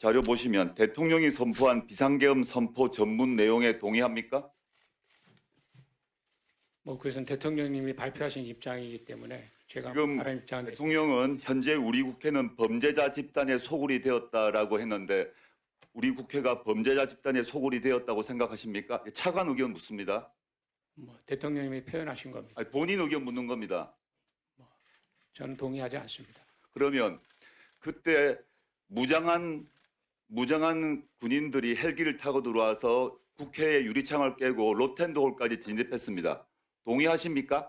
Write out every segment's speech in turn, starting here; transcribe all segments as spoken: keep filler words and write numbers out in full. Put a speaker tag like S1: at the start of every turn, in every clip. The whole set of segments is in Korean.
S1: 자료 보시면 대통령이 선포한 비상계엄 선포 전문 내용에 동의합니까?
S2: 뭐 그것은 대통령님이 발표하신 입장이기 때문에 제가
S1: 지금
S2: 다른 입장은
S1: 대통령은 현재 우리 국회는 범죄자 집단의 소굴이 되었다라고 했는데 우리 국회가 범죄자 집단의 소굴이 되었다고 생각하십니까? 차관 의견 묻습니다.
S2: 뭐 대통령님이 표현하신 겁니다.
S1: 아니, 본인 의견 묻는 겁니다.
S2: 저는 동의하지 않습니다.
S1: 그러면 그때 무장한 무장한 군인들이 헬기를 타고 들어와서 국회의 유리창을 깨고 로텐도홀까지 진입했습니다. 동의하십니까?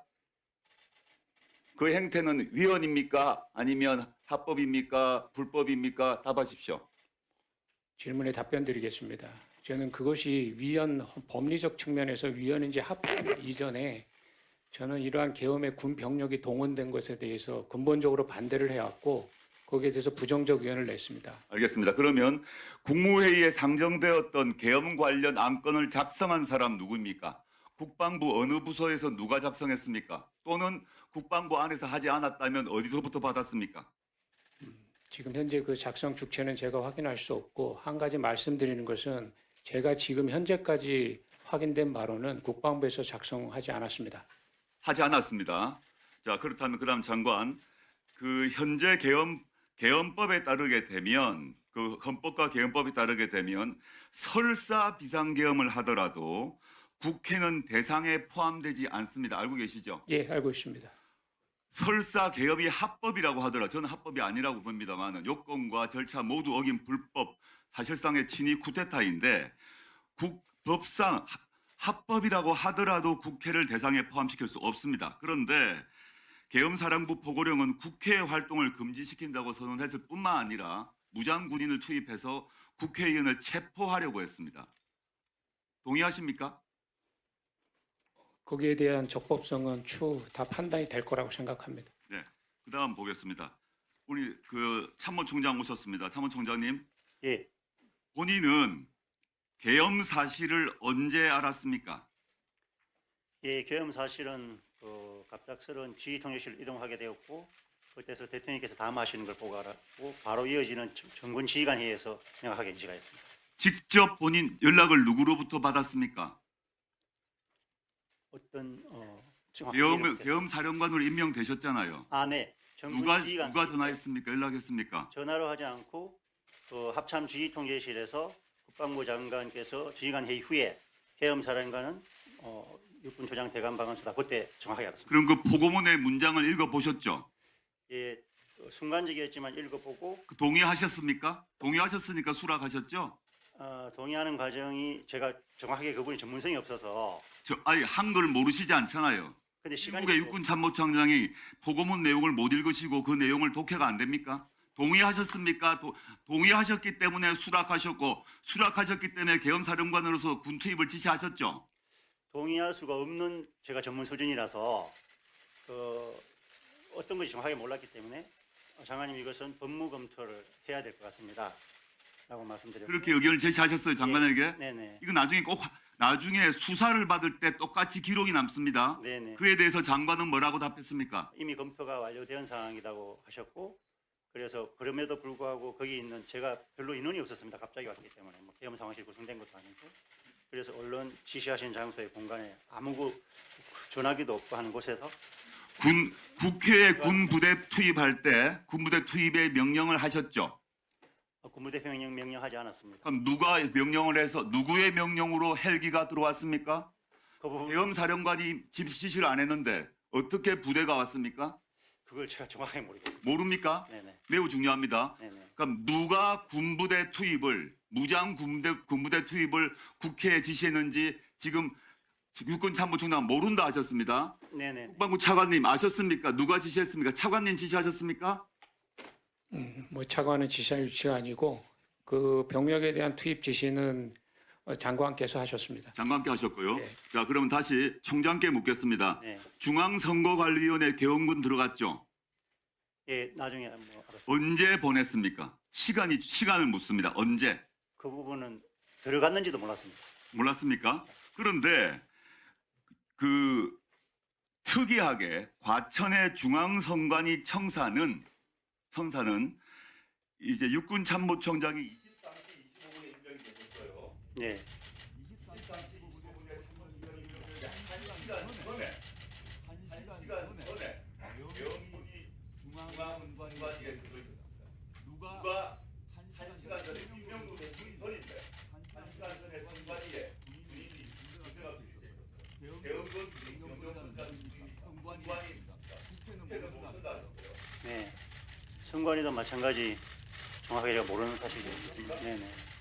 S1: 그 행태는 위헌입니까? 아니면 합법입니까? 불법입니까? 답하십시오.
S2: 질문에 답변 드리겠습니다. 저는 그것이 위헌 법리적 측면에서 위헌인지 합법 이전에 저는 이러한 계엄의 군 병력이 동원된 것에 대해서 근본적으로 반대를 해왔고 거기에 대해서 부정적 의견을 냈습니다.
S1: 알겠습니다. 그러면 국무회의에 상정되었던 계엄 관련 안건을 작성한 사람 누구입니까? 국방부 어느 부서에서 누가 작성했습니까? 또는 국방부 안에서 하지 않았다면 어디서부터 받았습니까?
S2: 지금 현재 그 작성 주체는 제가 확인할 수 없고 한 가지 말씀드리는 것은 제가 지금 현재까지 확인된 바로는 국방부에서 작성하지 않았습니다.
S1: 하지 않았습니다. 자, 그렇다면 그다음 장관, 그 현재 계엄 계엄법에 따르게 되면 그 헌법과 계엄법에 따르게 되면 설사 비상계엄을 하더라도 국회는 대상에 포함되지 않습니다. 알고 계시죠?
S2: 예, 알고 있습니다.
S1: 설사 계엄이 합법이라고 하더라도 저는 합법이 아니라고 봅니다만 요건과 절차 모두 어긴 불법, 사실상의 친위 쿠데타인데 국, 법상 하- 합법이라고 하더라도 국회를 대상에 포함시킬 수 없습니다. 그런데 계엄사령부 포고령은 국회 활동을 금지시킨다고 선언했을 뿐만 아니라 무장군인을 투입해서 국회의원을 체포하려고 했습니다. 동의하십니까?
S2: 거기에 대한 적법성은 추후 다 판단이 될 거라고 생각합니다.
S1: 네. 그다음 보겠습니다. 우리 그 참모총장 오셨습니다. 참모총장님,
S3: 예,
S1: 본인은 계엄 사실을 언제 알았습니까?
S3: 예, 계엄 사실은 그 갑작스러운 지휘통제실을 이동하게 되었고 그때서 대통령께서 담화하시는 걸 보고 알았고 바로 이어지는 정- 정군 지휘관 회의에서 명확하게 인지가 했습니다.
S1: 직접 본인 연락을 누구로부터 받았습니까?
S3: 어떤 어, 정확하게
S1: 계엄,
S3: 이렇게-
S1: 계엄 사령관으로 임명되셨잖아요.
S3: 아, 네. 정군
S1: 누가
S3: 지휘관
S1: 누가
S3: 회의 때
S1: 전화했습니까? 연락했습니까?
S3: 전화로 하지 않고 그 합참 지휘통제실에서 국방부 장관께서 지휘관 회의 후에 계엄 사령관은 어, 육군 조장 대감 방한수다 그때 정확하게 알았습니다.
S1: 그럼 그 포고문의 문장을 읽어 보셨죠?
S3: 예, 어, 순간적이었지만 읽어보고
S1: 그 동의하셨습니까? 동의하셨으니까 수락하셨죠?
S3: 어, 동의하는 과정이 제가 정확하게 그분이 전문성이 없어서
S1: 저 아니 한글 모르시지 않잖아요.
S3: 근데 시간이
S1: 한국의 육군 참모총장이 포고문 내용을 못 읽으시고 그 내용을 독해가 안 됩니까? 동의하셨습니까? 도, 동의하셨기 때문에 수락하셨고 수락하셨기 때문에 계엄사령관으로서 군 투입을 지시하셨죠.
S3: 동의할 수가 없는 제가 전문 수준이라서 그 어떤 것이 정확하게 몰랐기 때문에 장관님 이것은 법무 검토를 해야 될 것 같습니다. 라고 말씀드렸고
S1: 그렇게 의견을 제시하셨어요, 장관에게.
S3: 네네.
S1: 이거 나중에 꼭 나중에 수사를 받을 때 똑같이 기록이 남습니다.
S3: 네네.
S1: 그에 대해서 장관은 뭐라고 답했습니까?
S3: 이미 검토가 완료된 상황이라고 하셨고 그래서 그럼에도 불구하고 거기 있는 제가 별로 인원이 없었습니다. 갑자기 왔기 때문에 뭐 계엄 상황실이 구성된 것도 아니고 그래서 언론 지시하신 장소의 공간에 아무 그 전화기도 없고 하는 곳에서
S1: 군 국회에 군 부대 투입할 때 군 부대 투입의 명령을 하셨죠.
S3: 군부대 명령 명령하지 않았습니다.
S1: 그럼 누가 명령을 해서 누구의 명령으로 헬기가 들어왔습니까?
S3: 그 부분
S1: 계엄 사령관이 집 지시를 안 했는데 어떻게 부대가 왔습니까?
S3: 그걸 제가 정확하게 모르겠습니다.
S1: 모릅니까?
S3: 네네.
S1: 매우 중요합니다.
S3: 네네.
S1: 그럼 누가 군부대 투입을 무장 군부대 군부대 투입을 국회에 지시했는지 지금 육군 참모총장 모른다 하셨습니다.
S3: 네네.
S1: 국방부 차관님 아셨습니까? 누가 지시했습니까? 차관님 지시하셨습니까?
S2: 음, 뭐 차관은 지시할 위치가 아니고 그 병력에 대한 투입 지시는 어, 장관께서 하셨습니다.
S1: 장관께 하셨고요.
S2: 네.
S1: 자, 그럼 다시 총장께 묻겠습니다.
S3: 네.
S1: 중앙선거관리위원회 개헌군 들어갔죠?
S3: 예, 나중에 뭐 알았습니다.
S1: 언제 보냈습니까? 시간이 시간을 묻습니다. 언제?
S3: 그 부분은 들어갔는지도 몰랐습니다.
S1: 몰랐습니까? 그런데 그 특이하게 과천의 중앙선관위 청사는 청사는 이제 육군 참모총장이 이십사
S3: 네.
S1: 시간 전에 한 시간 전에 계엄군이 중앙선관위에 들어 있었습니다. 누가 한 시간 전에 김명도 대통령이 전인데 한 시간 전에 선관위에 군인이 군대가 있었어요. 계엄군 김명도 선관위입니다. 국회는 모른다는데요.
S3: 네. 선관위도 마찬가지 정확하게 제가 모르는 사실이에요. 네네.